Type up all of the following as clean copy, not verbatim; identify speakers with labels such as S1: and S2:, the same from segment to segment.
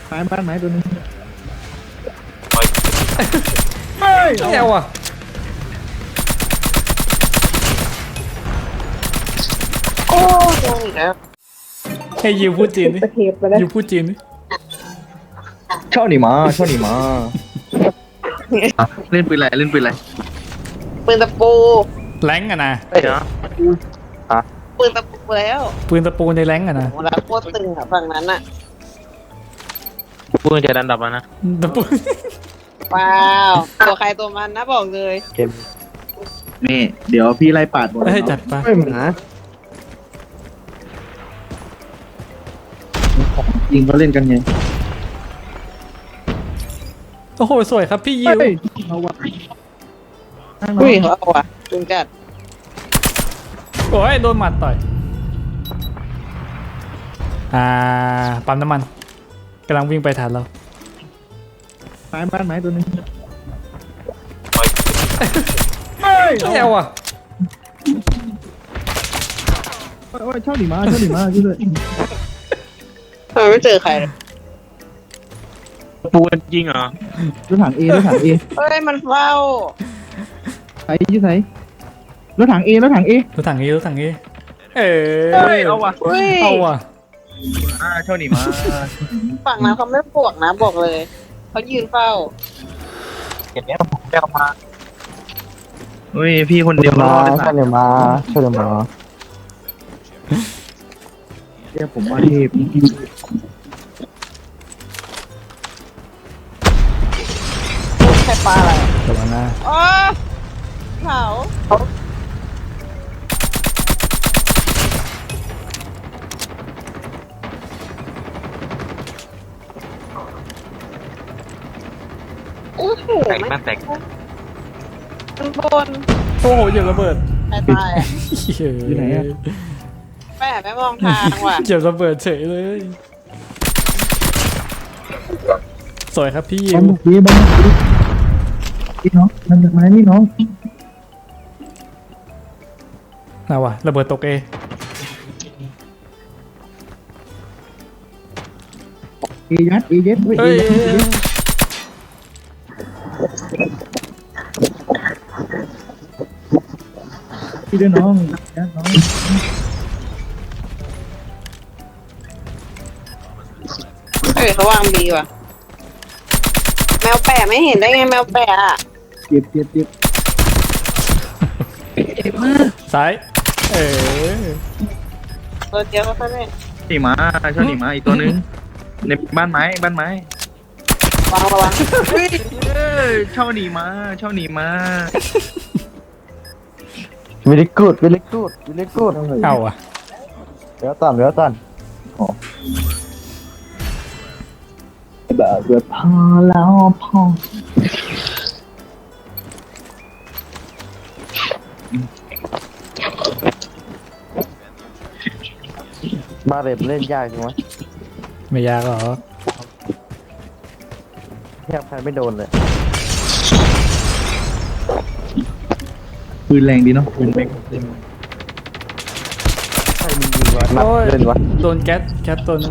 S1: ไม้บ้านไม้ตัวนึง
S2: เฮ้ยไม่เอาอ่ะ
S3: โอ้โดนอีกแล้ว
S2: ให้ยิวพูดจีนดิ
S3: ประเทศไปแล้ว
S2: ยิวพูดจีนดิ
S1: ชอบหนีมาชอบหนีมาเล่นปืนอะไรเล่นปืนอะไร
S3: ปืนตะปู
S2: แรงอะนะ
S1: เดี๋ยว
S3: ปืนตะปูแล้ว
S2: ปืนตะปูในแรงอะนะ
S3: เวลาโคตรตึงอะฝั่งนั้นอะ
S4: ปืนจะดันดับแล้วนะ
S2: ตะปู
S3: ว้าวตัวใครตัวมันนะบอกเลย
S1: นี่เดี๋ยวพี่ไล่ปาดหมด
S2: ให้จัดไป
S1: ไม่หมายิงเขาเล่นกันไง
S2: โอ้โหสวยครับพี่ยิว
S1: เอาวะ
S3: อุ้ยเขาเอาว่ะจุงจัด
S2: โอ้ยโดนหมัดต่อยปั๊มน้ำมันกำลังวิ่งไปฐานเรา
S1: ไม้บ้านไม้ตัวนึง
S2: ไม่เอาอ่ะ
S1: โอ้ยชอบหนีมาชอบหนีมาช่วยด้วย
S3: ทำไมไม่เจอใครเลย
S4: ปูนจริงเหรอ
S1: รถถังเอรถถังเอ
S3: เฮ้ยมันเฝ้า
S1: ใส่ยี่ใส่รถถังเอรถถังเอ
S2: รถถังนี้รถถังนี้
S1: เอาวะ
S3: เฮ้ย
S2: เอาว่ะ
S1: ชอบหนีมา
S3: ฝั่งนั้นเขาไม่บวกนะบอกเลยเขายืนเฝ้า
S4: เก็บเนี้ยผมจะเอามา
S1: เฮ้ยพี่คนเดียวรอด
S5: ช่วยเดี๋ยวมาช่วยเดี๋ยวมา
S1: เรียกผมว่าเทพ
S3: ใครปลาอะไรอะ
S2: ระวังนะ
S3: อ๋อเผาโอ้โห
S4: แตก
S3: ไม่
S4: แม่แตก
S3: มันบน
S2: โอ้โหเหยียบระเบิด
S3: ใครตายอะ
S1: อยู่ไหนอะ
S3: แม่ไม่มองทางว่ะ
S2: เหยียบระเบิดเฉยเลยสวยครับพี่ยิ
S1: บ้า
S2: วน
S1: บุกดีบ้านบุกดีพี่น้องมันจากไม้นี่น้อง
S2: น่าว่ะระเบิดตกเอ
S1: เอยัดเอเย็ดเฮ้ยเอ
S2: เฮ้ย
S1: ยัดเอเย็ดพี่ด้วยน้องยัดน้อง
S3: เฮ้ยเขาวางดีว่ะ แมวแปะไม่เห็นได้ไงแมวแปะอะ
S1: เจ็บเจ็บเจ็บ
S2: ซ้ายเออ
S3: ตัวเดียวก็เท่านั้น
S1: หนีมาชอบหนีมาอีกตัวนึงในบ้านไม้บ้านไม้
S3: วางระวังเฮ้ย
S1: ชอบหนีมาชอบหนีมา
S5: วิลิกูดวิลิกูดวิลิกูด
S2: เอาอ่ะ
S5: เดี๋ยวตันเดี๋ยวตัน
S1: แบบเดือดพอแล้วพอ
S5: บาเรตเล่นยากใช่ไหม
S2: ไม่ยากหรอก
S5: แทบใครไม่โดนเลย
S1: ปืนแรงดีเนาะปืนแม็ก
S5: ใครมียิงวะนัดเล่นวะ
S2: โดนแก๊สตัวนึง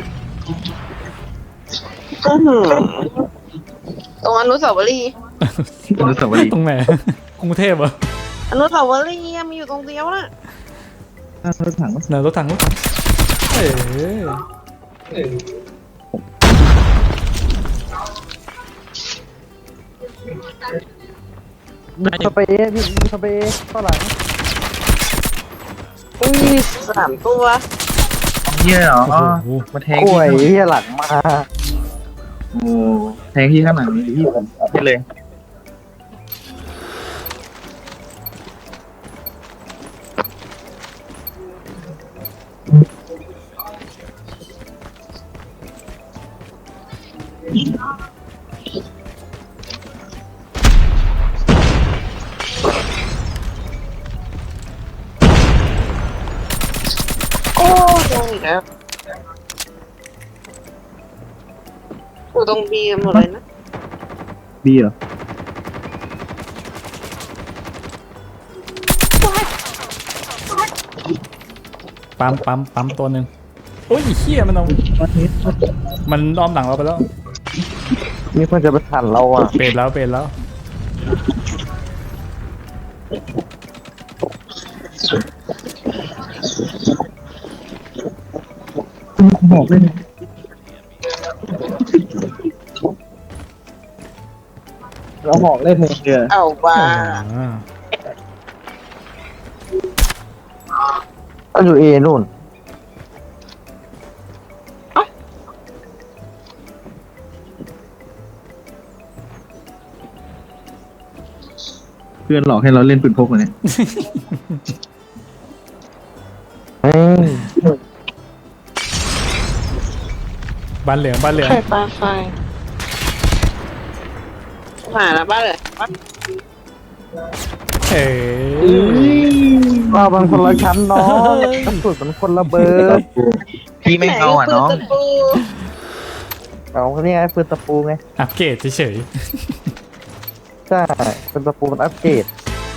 S3: อื้อหือตรงอนุสาวรีย์
S1: อนุสาวรีย์
S2: ตรงไหนกรุงเทพเหรอ
S3: อนุสาวรีย์อะมีอยู่ตรงเดียวน่ะ
S1: รถถัง
S2: ไหนรถถังเออ
S5: สเปรย์พี่สเปรย์เท่าไหร่
S3: อุ้ย3 ตัว
S1: เหี้ยเหรอ
S2: โอ้โห
S1: มาแทง
S5: กล้
S1: ที่
S5: วยเฮียหลังมา
S1: โอ้แทงที่ข้างหลังนี่พี่ผมให้เลย
S3: โอ้โดนอีกแล้วอยู่ตรงบีกันหมดเลยนะ
S1: ดีเหรอ
S2: ปั๊มตัวหนึ่งโอ้ยเหี้ยมันเอามันอ้อมหลังเราไปแล้ว
S5: มีคนจะไปทันเราอ่ะ
S2: เปรตแล้วเปรตแล้ว
S1: บอกเลยเราบอกเล่นเลยเดียว
S3: เอาว่า
S2: อ่า
S5: ก็อยู่เอนู่น
S1: เพื่อนหลอกให้เราเล่นปืนพกเลยเนี่ย
S5: เฮ้ย
S2: บ้านเหลืองบ้านเหลือง
S3: ไข่ปลาไฟหาแล้วบ้านเลยบ้าน
S2: เอ๋
S5: เราบางคนละชั้นน้องกระสุนมันคนละเบอร์
S1: พี่ไม่เอาอ่ะน้อง
S3: ปืตะปู
S5: เอานี่ไงปืนตะปูไง
S2: อัปเกรดเฉย
S5: ใช่ปืนตะปูมันอัปเกรด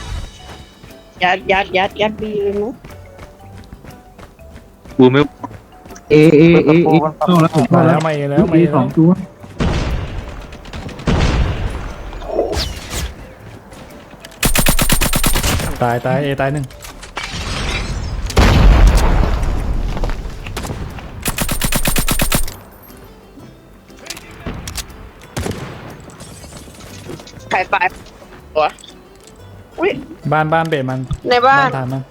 S3: ยัดบีเลยมั้ง
S4: บูไม่
S1: เอเข้าแล้วผม
S2: ๆมา
S1: เข้า
S2: แล้
S1: แล้ว ว
S2: มาเอแล้วมา
S1: มี
S2: เอ
S1: ส
S2: แล้
S1: อ
S2: ว
S1: งตัว
S2: ตายตายเอตายหนึ่ง
S3: ไข่ปลาตัวอุ้ย
S2: บ้านเบรมัน
S3: ในบ้าน
S2: ฐานมัน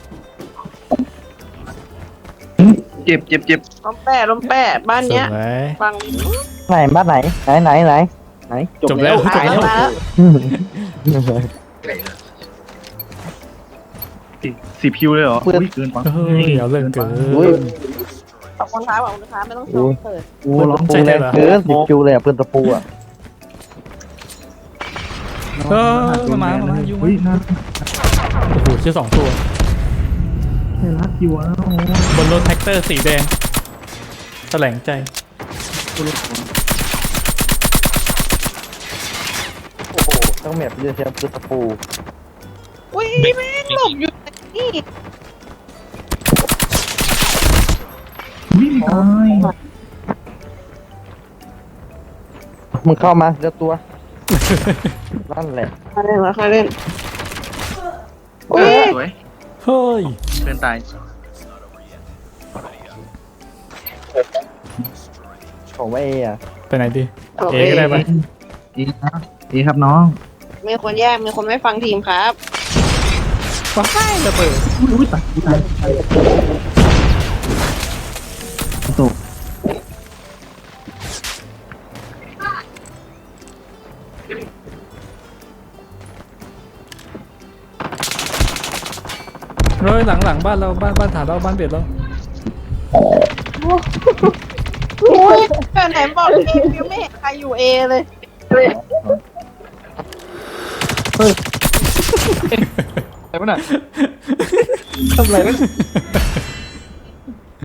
S1: เจ็บ
S3: ล้มแปะบ้าน
S2: ส
S3: เนี้ย
S2: วย
S3: ฟัง
S5: ไหนบ้านไหนไหน
S2: จบแล้ว
S3: หายมาแล้ว
S1: 10 คิวเลยเหรออุ้ยเกินไป
S2: เฮ้ยเอาเรื่องเกิน
S5: อุ้ย
S3: ขอบคุณครับไม่ต้องซ่อมเปิด
S5: ปืนตะปูเลยเกิน10 คิวเลยอ่ะปืนตะปูอ่ะ
S2: เออมายุ่ง
S1: เฮ้ยน่า
S2: โอ้โหเชื่อสองตัว
S1: รักอยู่อ่ะ
S2: บนรถแท็กเตอร์สีแดงแถลงใจ
S5: โอ้โหต้องแมปเยอะเชียวปืนตะปู
S3: อุ้ยแม่งหลบอยู่นี่
S1: วิ่งตาย
S5: มึงเข้ามาเจอตัวนั่นแหละ
S3: มาเล่นมาเล่นอุ้ย
S1: สวย
S2: เฮ้ย
S1: เพื่อนตาย
S5: ของว่าเออ่ะ
S2: ไปไหนดี
S3: โอ
S2: เอ
S3: เค
S2: ก็ได้ปะ
S1: ครับน้อง
S3: มีคนแยกมีคนไม่ฟังทีมครับ
S2: ว้ายระเบิด
S1: อุ้ยตายตก
S2: เฮ้ยหลังบ้านเราบ้านฐานเราบ้านเบียดเรา
S3: อุ้ยแต่ไหนบอกทีมยังไม่เห็นใครอยู่เอเลย
S1: อะไรวะน่ะทำอะไรวะ